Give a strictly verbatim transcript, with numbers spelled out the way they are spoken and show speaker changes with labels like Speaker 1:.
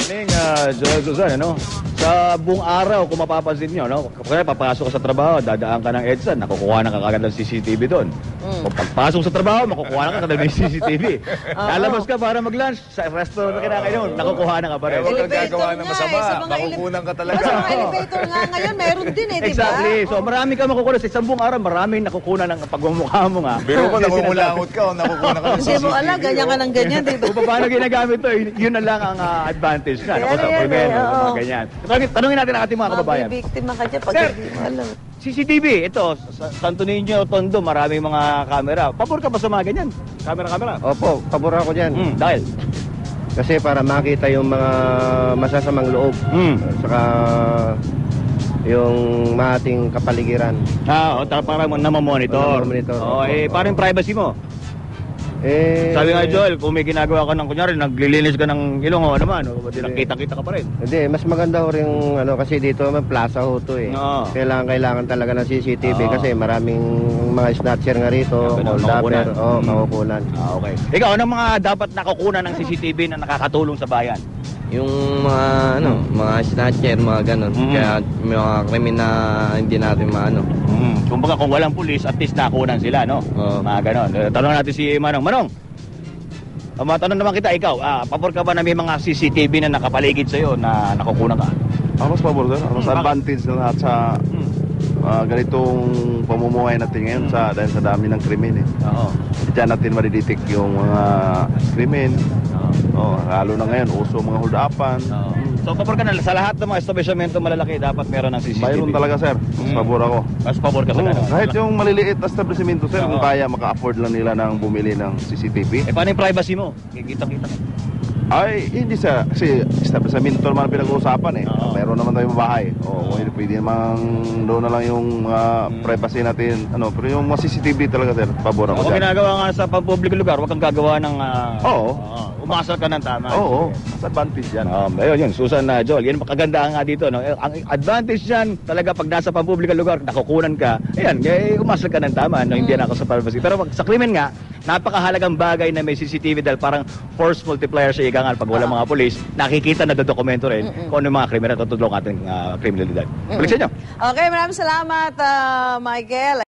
Speaker 1: morning, uh, Joel Susan, ano? Sa buong araw, kung mapapansin nyo, no? Kaya papasok ka sa trabaho, dadaan ka ng EDSA, nakukuha na ka kagad ng C C T V doon. Mm. Kung pagpasok sa trabaho, makukuha na ka kagad ng C C T V. Lalabas ka para mag-lunch, sa restaurant na kinakainom, nakukuha na ka pa rin.
Speaker 2: Eh, huwag kang gagawa ng masama.
Speaker 3: Eh, sa mga
Speaker 2: Makukunan ka talaga.
Speaker 3: Sa mga elevator nga ngayon, meron din eh, di ba?
Speaker 1: Exactly. So marami ka makukuha. Sa isang buong araw, maraming nakukuha ng pagmumukha mo nga.
Speaker 2: Biro ko, namumulangot ka o nakukunan ka ng C C T V.
Speaker 3: Hindi mo alam, ganyan ka ng ganyan, di ba?
Speaker 1: Kung paano ginagamit to, yun na lang ang uh, advantage na. Ako sa
Speaker 3: Yan, yan,
Speaker 1: primero,
Speaker 3: yan, oo.
Speaker 1: mga ganyan. Tanungin, tanungin natin ang ating mga kababayan.
Speaker 3: Mabibiktima ka dyan pag
Speaker 1: Sir,
Speaker 3: hindi mo alam.
Speaker 1: C C T V, ito, sa Santo Niño, Tondo, maraming mga camera. Pabor ka ba sa mga ganyan? Camera-camera?
Speaker 4: Opo, pabor ako dyan.
Speaker 1: Hmm, dahil?
Speaker 4: Kasi para makita yung mga masasamang loob.
Speaker 1: Hmm.
Speaker 4: Saka yung maating kapaligiran.
Speaker 1: Ah, o, parang namamonitor.
Speaker 4: Namamonitor.
Speaker 1: Oh, eh, parang privacy mo.
Speaker 4: Eh,
Speaker 1: Sabi nga, Joel, kung may ginagawa ka ng kunyari, naglilinis ka ng ilong o naman, o di
Speaker 4: Hindi.
Speaker 1: nakita-kita ka pa rin.
Speaker 4: Hindi, mas maganda ho rin, ano, kasi dito naman plaza ho to eh.
Speaker 1: Oo.
Speaker 4: Kailangan, kailangan talaga ng C C T V
Speaker 1: Oo.
Speaker 4: kasi maraming mga snatcher nga rito,
Speaker 1: Ganun,
Speaker 4: hold
Speaker 1: makukunan.
Speaker 4: upper, oh,
Speaker 1: Mm.
Speaker 4: makukunan.
Speaker 1: Ah, okay. Ikaw, anong mga dapat nakukunan ng C C T V na nakakatulong sa bayan?
Speaker 5: Yung mga ano, mga snatcher, mga ganun.
Speaker 1: Mm.
Speaker 5: Kaya may mga krimen na hindi natin maano.
Speaker 1: Mm. Kumbaga, kung walang pulis, at least nakunan sila, no?
Speaker 5: Oo.
Speaker 1: Mga ganon. Eh, tanong natin si Manong. Manong, ah, matanong naman kita, ikaw, ah, pabor ka ba na may mga C C T V na nakapaligid sa'yo na nakukunan ka?
Speaker 6: Ako mas pabor doon. Ako mas
Speaker 1: Hmm,
Speaker 6: advantage na lahat sa
Speaker 1: Hmm.
Speaker 6: ah, ganitong pamumuhay natin ngayon sa dahil sa dami ng krimen eh.
Speaker 1: Oo.
Speaker 6: Diyan natin madidetect yung mga krimen. Oh, lalo na ngayon, uso mga hold-upan.
Speaker 1: Oo. So, pabor ka na sa lahat ng mga establishmento malalaki, dapat meron ng C C T V.
Speaker 6: Mayroon talaga, sir. Mas
Speaker 1: Hmm.
Speaker 6: pabor ako.
Speaker 1: Mas pabor ka sa
Speaker 6: Oo,
Speaker 1: ganun.
Speaker 6: kahit yung maliliit na establishmento, sir, kung
Speaker 1: Oo.
Speaker 6: kaya maka-afford lang nila ng bumili ng C C T V.
Speaker 1: Eh, paano yung privacy mo? Kikita-kita mo.
Speaker 6: Ay, hindi sa, kasi establishmento naman ang pinag-uusapan eh.
Speaker 1: Oo.
Speaker 6: Meron naman tayong bahay. O, kung hindi pwede naman doon na lang yung mga
Speaker 1: Hmm.
Speaker 6: privacy natin. Ano, pero yung mga C C T V talaga, sir, pabor ako
Speaker 1: Kung
Speaker 6: dyan.
Speaker 1: ginagawa nga sa pampublikong lugar, huwag kang gagawa ng... ah,
Speaker 6: Oo.
Speaker 1: umasal ka ng tama.
Speaker 6: Oo, mas advantage yan.
Speaker 1: Um, ayun, yun, Susan na Joel, yan ang kagandahan nga dito. No? Eh, Ang advantage yan, talaga pag nasa pampublikong lugar, nakukunan ka, ayan, eh, umasal ka ng tama, no? Hindi na ako sa privacy. Pero pag sa krimen nga, napakahalagang bagay na may C C T V dahil parang force multiplier sa igangal. Pag wala mga polis, nakikita na dokumento rin kung ano yung mga krimen na tutulong ating uh, kriminalidad. Balik sa inyo.
Speaker 3: Okay, maraming salamat, ah, Michael.